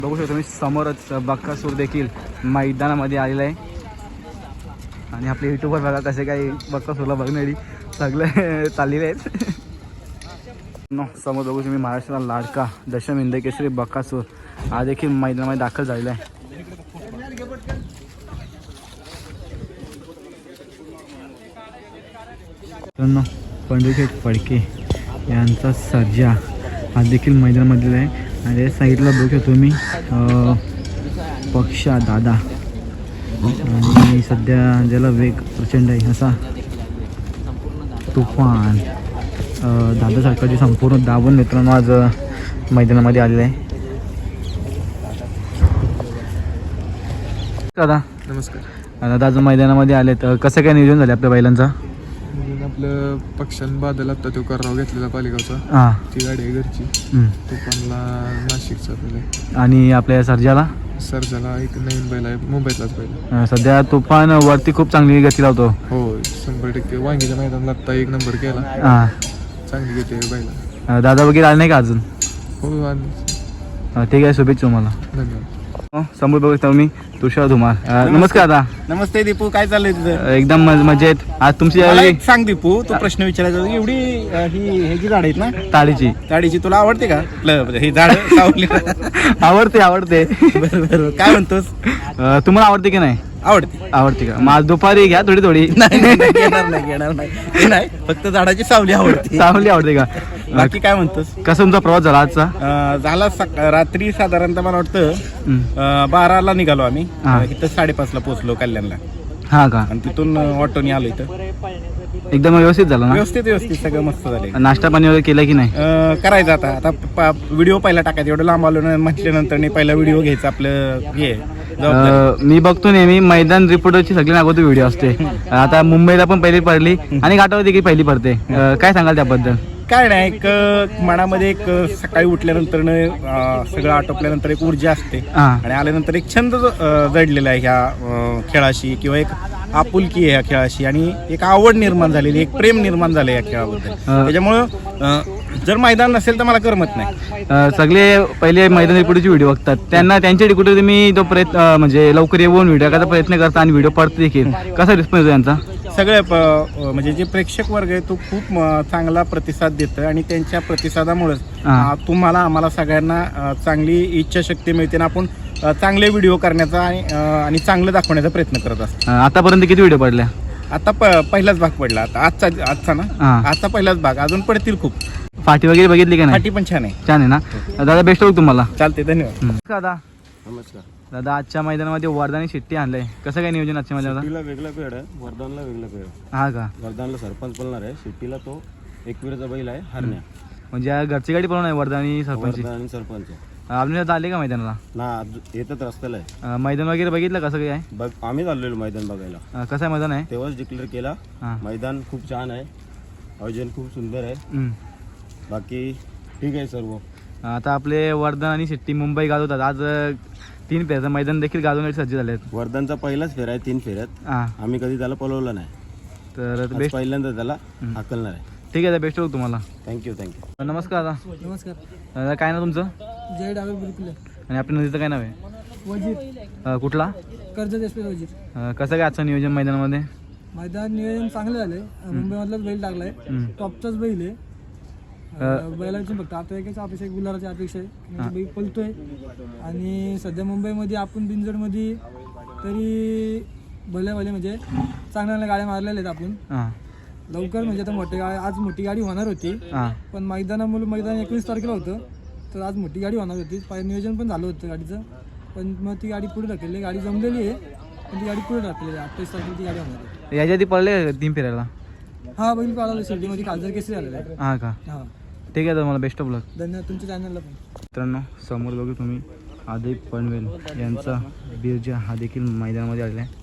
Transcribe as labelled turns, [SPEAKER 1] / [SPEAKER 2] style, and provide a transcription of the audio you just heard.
[SPEAKER 1] बघू शकतो तुम्ही समोरच बक्कासूर देखील मैदानामध्ये आलेला आहे. आणि आपले यूट्यूबवर बघा कसे काही बक्कासूरला बघणारी सगळे चाललेले आहेत. समोर बघू तुम्ही महाराष्ट्राला लाडका दशम हिंद केसरी बक्कासूर हा देखील मैदानामध्ये दाखल झालेला आहे. पंढरीशेठ फडके यांचा सर्जा हा देखील मैदानामधला आहे. आणि त्या साईडला बघू शकतो मी पक्षा दादा आणि सध्या ज्याला वेग प्रचंड आहे असा तुफान दादा सरकारची संपूर्ण दाबून मित्रांनो आज मैदानामध्ये आलेलं आहे. दादा
[SPEAKER 2] नमस्कार.
[SPEAKER 1] दादा आज मैदानामध्ये आले तर कसं काय नियोजन झालं आपल्या बैलांचा?
[SPEAKER 2] आपलं पक्षान बादल आता तो कराव घेतलेला पालिगावचा.
[SPEAKER 1] हां
[SPEAKER 2] ती गाडी आहे घरची. तुफानला नाशिकचा बैल आहे.
[SPEAKER 1] आणि आपल्या सर्जाला
[SPEAKER 2] सर्जाला एक नवीन बैल आहे, मुंबईतलाच बैल.
[SPEAKER 1] सध्या तुफान वरती खूप चांगली गती लावतो.
[SPEAKER 2] हो 100% वांगीच्या मैदानाला आता 1 नंबर केला.
[SPEAKER 1] हां
[SPEAKER 2] चांगली गती आहे बैला.
[SPEAKER 1] दादा वगैरे आले नाही का अजून?
[SPEAKER 2] हो आणि
[SPEAKER 1] ठीक आहे, शुभेच्छा तुम्हाला.
[SPEAKER 2] धन्यवाद.
[SPEAKER 1] समोर बघतो मी तुषार धुमार. नमस्कार दादा.
[SPEAKER 3] नमस्ते दीपू, काय चाललंय तुझं?
[SPEAKER 1] एकदम मजेत. आज तुमची
[SPEAKER 3] मला एक सांग दीपू, तू प्रश्न विचारायचा एवढी ही ह्याची झाड आहेत ना
[SPEAKER 1] ताडीची
[SPEAKER 3] ताडीची, तुला आवडते का ही झाड?
[SPEAKER 1] आवडते.
[SPEAKER 3] बरोबर, काय म्हणतोस?
[SPEAKER 1] तुम्हाला आवडते की नाही? आवडते का? मग आज दुपारी घ्या थोडी.
[SPEAKER 3] घेणार नाही, फक्त झाडाची सावली आवडते.
[SPEAKER 1] चांगली आवडते का?
[SPEAKER 3] बाकी काय म्हणतोस?
[SPEAKER 1] कसा तुमचा प्रवास झाला आजचा?
[SPEAKER 3] झाला रात्री साधारणतः मला वाटतं 12ला निघालो आम्ही. इथं 5:30ला पोहोचलो कल्याणला.
[SPEAKER 1] हा का?
[SPEAKER 3] आणि तिथून ऑटोनी आलो इथं.
[SPEAKER 1] एकदम व्यवस्थित झालं ना?
[SPEAKER 3] व्यवस्थित सगळं मस्त झालं.
[SPEAKER 1] नाश्ता पाणी वगैरे केलं की नाही?
[SPEAKER 3] करायचं आता व्हिडिओ पहिला टाकायचा. एवढं लांब आलो ना म्हटल्यानंतर पहिला व्हिडिओ घ्यायचा आपलं हे.
[SPEAKER 1] मी बघतो नेहमी मैदान रिपोर्टरची सगळी नागोती व्हिडिओ असते. आता मुंबईला पण पहिली पडली आणि घाटावर देखील पहिली पडते. काय सांगाल त्याबद्दल?
[SPEAKER 3] काय नाही, एक मनामध्ये एक सकाळी उठल्यानंतर सगळं आटोपल्यानंतर एक ऊर्जा असते. आणि आल्यानंतर एक छंद जडलेला आहे ह्या खेळाशी, किंवा एक आपुलकी आहे ह्या खेळाशी, आणि एक आवड निर्माण झालेली, एक प्रेम निर्माण झालं या खेळाबद्दल. त्याच्यामुळं जर मैदान नसेल तर मला करमत नाही.
[SPEAKER 1] सगळे पहिले मैदान रिपोर्टरची व्हिडिओ बघतात, त्यांना त्यांच्या रिपोर्टर तुम्ही तो प्रयत्न म्हणजे लवकर येऊन व्हिडिओ करायचा प्रयत्न करता आणि व्हिडिओ पडतो देखील. कसा रिस्पॉन्स यांचा?
[SPEAKER 3] सगळे म्हणजे जे प्रेक्षक वर्ग आहे तो खूप चांगला प्रतिसाद देतं, आणि त्यांच्या प्रतिसादामुळेच तुम्हाला आम्हाला सगळ्यांना चांगली इच्छाशक्ती मिळते आणि आपण चांगले व्हिडिओ करण्याचा आणि चांगलं दाखवण्याचा प्रयत्न करत असतो.
[SPEAKER 1] आतापर्यंत किती व्हिडिओ पडल्या?
[SPEAKER 3] आता पहिलाच भाग पडला. आता आजचा ना, आजचा पहिलाच भाग. अजून पडतील खूप.
[SPEAKER 1] फाटी वगैरे बघितली का नाही?
[SPEAKER 3] फाटी पण छान आहे.
[SPEAKER 1] छान आहे ना दादा? बेस्ट होईल तुम्हाला.
[SPEAKER 3] चालते, धन्यवाद.
[SPEAKER 1] दादा
[SPEAKER 2] नमस्कार.
[SPEAKER 1] दादा आजच्या मैदानामध्ये वर्धानी शिट्टी आणलंय, कसं काय नियोजन आजच्या मैदानात?
[SPEAKER 4] शिट्टीला वेगळा पेड आहे, वर्धनला वेगळा पेड.
[SPEAKER 1] हा का?
[SPEAKER 4] वर्धनला सरपंच बोलणार आहे, शिट्टीला तो एकवीरचा बैल आहे हरण्या.
[SPEAKER 1] म्हणजे घरची गाडी पळवणार आहे वर्धानी सरपंच
[SPEAKER 4] आणि सरपंच
[SPEAKER 1] आपल्या आले का मैदानाला?
[SPEAKER 4] ना, येतच रस्त्याला आहे.
[SPEAKER 1] मैदान वगैरे बघितलं कसं काय आहे?
[SPEAKER 4] बघ, आम्ही चाललेलो मैदान बघायला.
[SPEAKER 1] कसं आहे मैदान आहे?
[SPEAKER 4] तेव्हाच डिक्लेअर केला. मैदान खूप छान आहे, आयोजन खूप सुंदर आहे. बाकी ठीक आहे सर्व.
[SPEAKER 1] आता आपले वर्धन आणि शिट्टी मुंबई गाजवतात. आज 3 फेऱ्याचं मैदान देखील गाजवण्यासाठी सज्ज झाले आहेत.
[SPEAKER 4] वर्धनचा पहिलाच फेरा आहे 3 फेऱ्यात. आम्ही कधी त्याला पळवलं नाही,
[SPEAKER 1] तर
[SPEAKER 4] बेस्ट पहिल्यांदा त्याला हाकलणार आहे.
[SPEAKER 1] ठीक आहे, बेस्ट होईल तुम्हाला.
[SPEAKER 4] थँक्यू.
[SPEAKER 1] नमस्कार दादा.
[SPEAKER 5] नमस्कार.
[SPEAKER 1] दादा काय नाव तुमचं?
[SPEAKER 5] जय डावे बिलकुल.
[SPEAKER 1] आणि आपल्या नदीचं काय नाव आहे?
[SPEAKER 5] वजीर.
[SPEAKER 1] कुठला?
[SPEAKER 5] कर्जत एक्सप्रेस वजीर.
[SPEAKER 1] कसं काय आजचं नियोजन मैदानामध्ये?
[SPEAKER 5] मैदान नियोजन चांगलं झालंय. मुंबईमधलाच बैल टाकलाय, टॉपचाच बैल आहे. बैलाची फक्त आता एकच अपेक्षा, एक गुलाराची अपेक्षा आहे. म्हणजे बैल पळतोय, आणि सध्या मुंबईमध्ये आपण बिनजोडमध्ये तरी भले म्हणजे चांगल्या गाड्या मारलेल्या आहेत आपण. लवकर म्हणजे आता आज मोठी गाडी होणार होती, पण मैदानामुळे मैदान 21 तारखेला होतं, तर आज मोठी गाडी होणार होती. नियोजन पण झालं होतं गाडीचं, पण मग ती गाडी पुढे ढकलली. गाडी जमलेली आहे, पण ती गाडी पुढे ढकलली. 28 तारखेला ती गाडी होणार आहे.
[SPEAKER 1] याच्या आधी पडले 3 फेऱ्याला?
[SPEAKER 5] हा, बैल पाळाला शिर्डीमध्ये खासदार केसरी झालेला आहे.
[SPEAKER 1] हा का?
[SPEAKER 5] हा,
[SPEAKER 1] ठीक आहे, तर मला बेस्ट ऑफ लक.
[SPEAKER 5] धन्यवाद. तुमच्या चॅनलला पण.
[SPEAKER 1] मित्रांनो समोर बघू तुम्ही आदिप पनवेल यांचा बिरजा हा देखील मैदानामध्ये आलेला आहे.